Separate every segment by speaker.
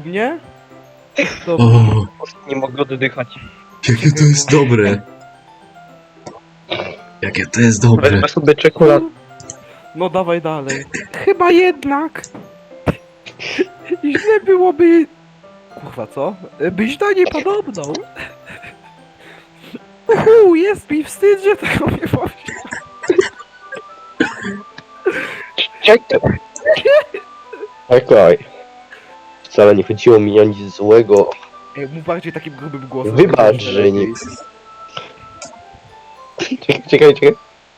Speaker 1: mnie? To
Speaker 2: O,
Speaker 3: Nie mogę oddychać.
Speaker 2: jakie to jest dobre. Jakie to jest dobre.
Speaker 3: Wezmę sobie czekolad.
Speaker 1: No dawaj dalej. Chyba jednak. Źle byłoby... Kurwa, co? Byś do niej podobną. Jest mi wstyd, że tego nie powiem.
Speaker 3: Czekaj. Czekaj. Wcale nie chodziło mi o nic złego.
Speaker 1: Mów bardziej takim grubym głosem.
Speaker 3: Wybacz, że nie... Czekaj.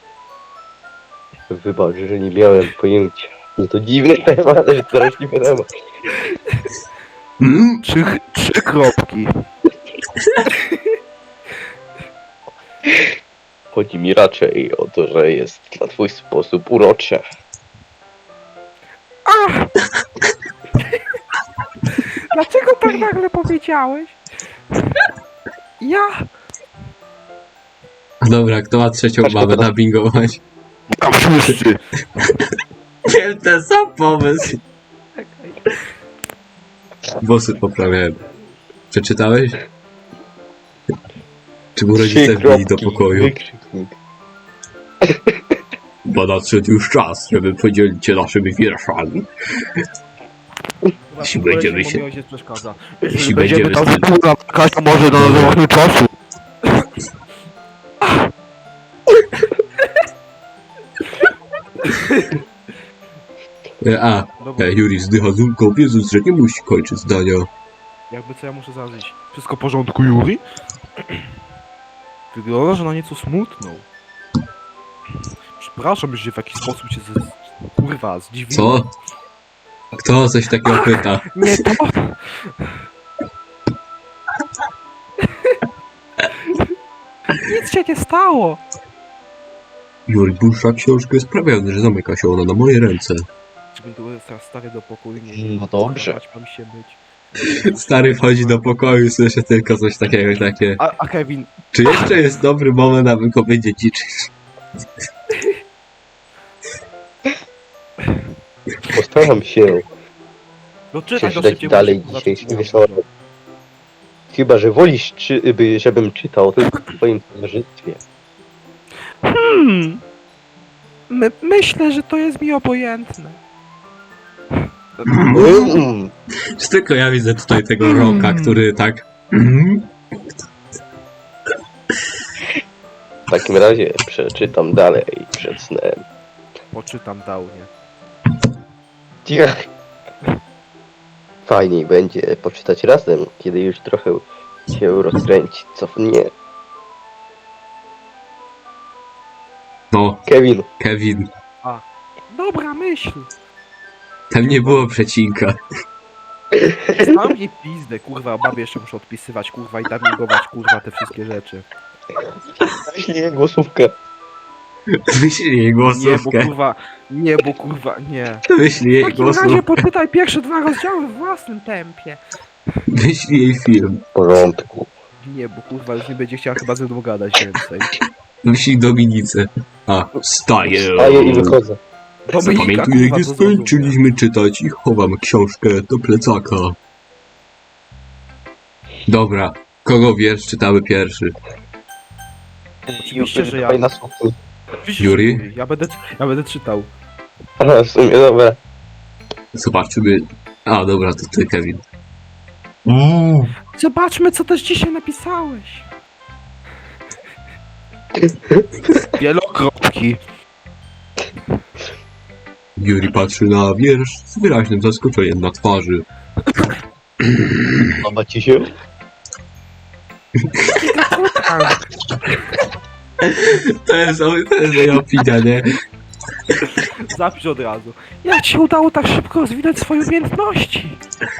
Speaker 3: Wybacz, że nie miałem pojęcia. No to dziwny temat, ale straszliwy temat.
Speaker 2: Mm?
Speaker 1: Trzy kropki.
Speaker 3: Chodzi mi raczej o to, że jest na twój sposób urocze.
Speaker 1: Dlaczego tak nagle powiedziałeś? Ja...
Speaker 2: Dobra, kto ma trzecią
Speaker 3: Patrz,
Speaker 2: babę
Speaker 3: to-
Speaker 2: nabingować?
Speaker 3: Tam wszyscy!
Speaker 2: Wiem, ten sam pomysł. Włosy poprawiałem. Przeczytałeś? Czy mu rodzice wbili do pokoju?
Speaker 3: Wykrzyknik.
Speaker 2: Bo nadszedł już czas, żeby podzielić się naszymi wierszami. Jeśli będziemy się-
Speaker 1: Ojciec przeszkadza.
Speaker 2: Jeśli będziemy...
Speaker 3: Kasia może do nowego czasu.
Speaker 1: Dobra,
Speaker 2: Juri zdycha z ulgą, wiedząc, że nie musi kończyć zdania.
Speaker 1: jakby co ja muszę zażyć. Wszystko w porządku, Juri? Wygląda, że na nieco smutną. Przepraszam, że w jakiś sposób cię kurwa zdziwiłem.
Speaker 2: Co? Kto coś takiego pyta?
Speaker 1: Nie to! Nic się nie stało!
Speaker 2: Juri burza książkę jest sprawiony, że zamyka się ona na moje ręce.
Speaker 1: Żebym tu teraz stary do pokoju nie...
Speaker 3: No dobrze.
Speaker 1: Mam się być.
Speaker 2: Stary wchodzi do pokoju i słyszy tylko coś takiego, takie...
Speaker 1: A Kevin,
Speaker 2: Czy jeszcze jest dobry moment, aby go będzie dziedziczyć?
Speaker 3: Postaram się
Speaker 1: no czytaj to
Speaker 3: przeczytać
Speaker 1: szybciej,
Speaker 3: dalej
Speaker 1: bo się
Speaker 3: dzisiejszy wieczorem. Chyba, że wolisz, żebym czytał tylko w twoim towarzystwie.
Speaker 1: Myślę, że to jest mi obojętne.
Speaker 2: Czy tylko ja widzę tutaj tego Roka, który tak...
Speaker 3: W takim razie przeczytam dalej przed snem.
Speaker 1: Poczytam downie.
Speaker 3: Ciach. Fajniej będzie poczytać razem, kiedy już trochę się rozkręci, co nie.
Speaker 2: No,
Speaker 3: Kevin,
Speaker 2: Kevin.
Speaker 1: Dobra myśl.
Speaker 2: Tam nie było przecinka.
Speaker 1: Znam jej pizdę, kurwa, babie jeszcze muszę odpisywać, kurwa, i dubbingować, kurwa, te wszystkie rzeczy.
Speaker 3: zaślij głosówkę.
Speaker 2: Wyślij jej głosówkę.
Speaker 1: Nie, bo kurwa, nie.
Speaker 2: Wyślij
Speaker 1: W
Speaker 2: jej
Speaker 1: takim razie
Speaker 2: głosówkę.
Speaker 1: poczytaj pierwsze 2 rozdziały w własnym tempie.
Speaker 2: Wyślij jej film.
Speaker 3: W porządku.
Speaker 1: Nie, bo kurwa już nie będzie chciała chyba ze mną gadać więcej.
Speaker 2: Wyślij Dominice. A, wstaję.
Speaker 3: Staję i wychodzę.
Speaker 1: Dominika,
Speaker 2: Zapamiętuję,
Speaker 1: kurwa,
Speaker 2: gdy
Speaker 1: to zrozumie.
Speaker 2: skończyliśmy czytać i chowam książkę do plecaka. Dobra, kogo wiersz czytamy pierwszy?
Speaker 1: Oczywiście, że ja.
Speaker 3: Dawaj na słuchu.
Speaker 1: Oczywiście,
Speaker 2: Yuri?
Speaker 1: że ja będę czytał.
Speaker 3: A, w sumie dobra.
Speaker 2: Zobaczymy. A, dobra, to ty, Kevin.
Speaker 1: Zobaczmy, co też dzisiaj napisałeś. Wielokropki.
Speaker 2: Yuri patrzy na wiersz z wyraźnym zaskoczeniem na twarzy.
Speaker 3: Podoba ci się?
Speaker 2: To jest moja opinia, nie?
Speaker 1: Zapisz od razu. Jak ci udało tak szybko rozwinąć swoje umiejętności?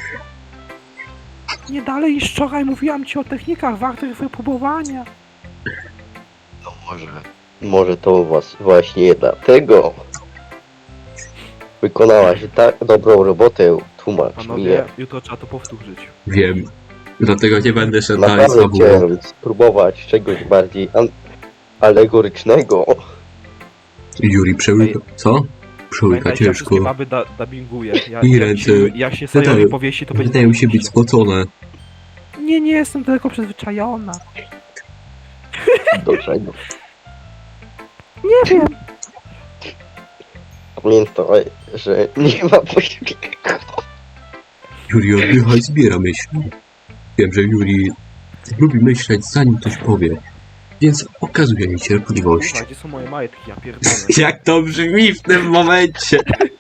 Speaker 1: Nie dalej niż wczoraj mówiłam ci o technikach wartych wypróbowania.
Speaker 3: No może to właśnie dlatego wykonałaś tak dobrą robotę, tłumacz mi.
Speaker 1: Panowie, jutro trzeba to powtórzyć.
Speaker 2: Wiem. Dlatego nie będę szedł dalej z
Speaker 3: Naprawdę
Speaker 2: fabułą.
Speaker 3: chciałem spróbować czegoś bardziej alegorycznego.
Speaker 2: Yuri przełyka... Co? Przełyka
Speaker 1: Pamiętajcie, ja wszystkie
Speaker 2: ciężko.
Speaker 1: baby dubbinguję.
Speaker 2: I ręce.
Speaker 1: Jak się Sajowi powiesi, to będzie...
Speaker 2: Wydaje mi się być spocone.
Speaker 1: Nie jestem tylko przyzwyczajona.
Speaker 3: Do czego?
Speaker 1: Nie wiem.
Speaker 3: Pamiętaj, że nie ma pośpiechu.
Speaker 2: Juri oddycha i zbiera myśli. Wiem, że Juri lubi myśleć zanim coś powie. Więc okazuje mi cierpliwość.
Speaker 1: Kurwa, gdzie są moje majtki, ja pierdolę.
Speaker 2: Jak to brzmi w tym momencie?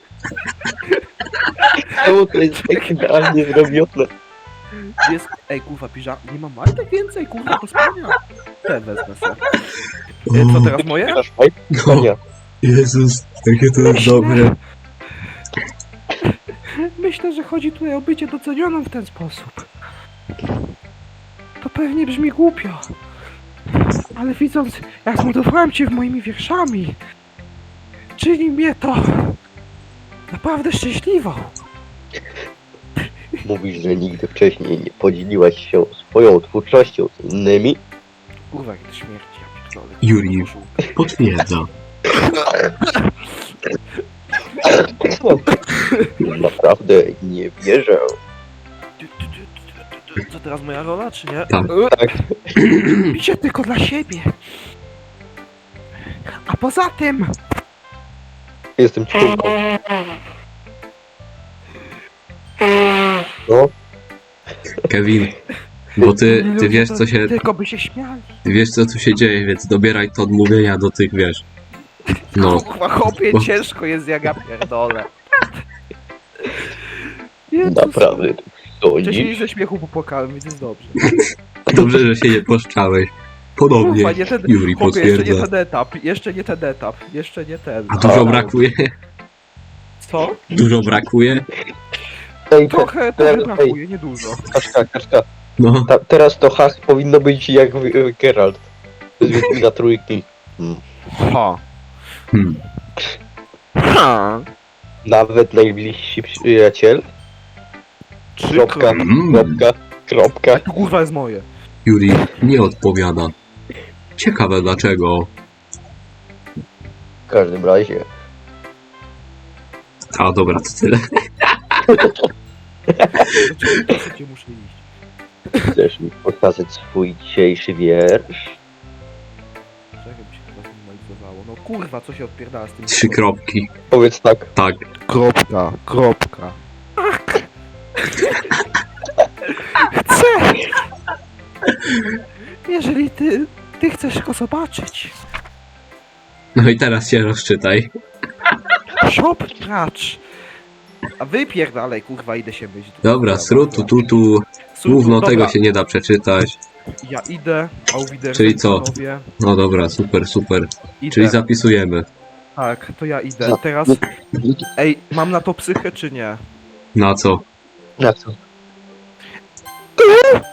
Speaker 3: Czemu to jest tak idealnie zrobione?
Speaker 1: Gdzie jest... Ej, kurwa, nie mam majtek więcej, kurwa, do spania. Te wezmę se. Co teraz moje?
Speaker 3: Masz fajt?
Speaker 2: No,
Speaker 3: Nie.
Speaker 2: Jezus, jakie to jest dobre.
Speaker 1: Myślę, że chodzi tutaj o bycie docenioną w ten sposób. To pewnie brzmi głupio. Ale widząc, jak zmotywowałem cię moimi wierszami, czyni mnie to naprawdę szczęśliwą.
Speaker 3: Mówisz, że nigdy wcześniej nie podzieliłaś się swoją twórczością z innymi?
Speaker 1: Kurwa, jak to śmierci, ja pierdolę.
Speaker 2: Juri. Potwierdza.
Speaker 3: Naprawdę nie wierzę.
Speaker 1: Co teraz moja rola, czy nie?
Speaker 2: Tak.
Speaker 3: Tak.
Speaker 1: Piszę tylko dla siebie. A poza tym...
Speaker 3: Jestem ciurką. No,
Speaker 2: Kevin, bo ty wiesz co się...
Speaker 1: Tylko by się śmiali.
Speaker 2: Ty wiesz co tu się dzieje, więc dobieraj to odmówienia do tych, wiesz. No.
Speaker 1: Kurwa, chłopie,
Speaker 2: Bo-
Speaker 1: ciężko jest, jak ja pierdolę. Jezus.
Speaker 3: naprawdę.
Speaker 1: Wcześniej
Speaker 3: Sądzisz?
Speaker 1: ze śmiechu popłakałem, więc jest dobrze.
Speaker 2: Dobrze, że się nie poszczałeś. Podobnie,
Speaker 1: Kurwa, nie ten...
Speaker 2: Juri
Speaker 1: Chłopie, jeszcze nie
Speaker 2: potwierdza.
Speaker 1: ten etap, jeszcze nie ten.
Speaker 2: A dużo
Speaker 3: A.
Speaker 2: brakuje?
Speaker 1: Co?
Speaker 2: Dużo brakuje?
Speaker 3: Ej,
Speaker 1: Trochę brakuje, niedużo.
Speaker 3: Kaczka.
Speaker 2: No.
Speaker 3: Teraz to hasło powinno być jak Geralt. Z Wiedźmina Trójki.
Speaker 1: Ha.
Speaker 2: Hmm.
Speaker 1: Ha.
Speaker 3: Nawet najbliżsi przyjaciel. Kropka, kropka.
Speaker 1: Tu kurwa jest moje.
Speaker 2: Juri nie odpowiada. Ciekawe dlaczego.
Speaker 3: W każdym razie.
Speaker 2: A dobra, to tyle.
Speaker 1: Gdzie muszę iść?
Speaker 3: Chcesz mi pokazać swój dzisiejszy wiersz?
Speaker 1: Czekaj, by się chyba zminimalizowało. No kurwa, co się odpierdala z tym?
Speaker 2: 3 kropki.
Speaker 3: Powiedz tak.
Speaker 2: Tak.
Speaker 1: Kropka. Chcę! Jeżeli ty chcesz go zobaczyć.
Speaker 2: No i teraz się rozczytaj.
Speaker 1: Shop pracz. A wypierdalaj, kurwa, idę się myć.
Speaker 2: Dobra, srutu, tutu. Gówno tego się nie da przeczytać.
Speaker 1: Ja idę, a uwidzę.
Speaker 2: Czyli co? No dobra, super.
Speaker 1: Idę.
Speaker 2: Czyli zapisujemy.
Speaker 1: Tak, to ja idę. Teraz... Ej, mam na to psychę, czy nie?
Speaker 2: Na co?
Speaker 3: Na co?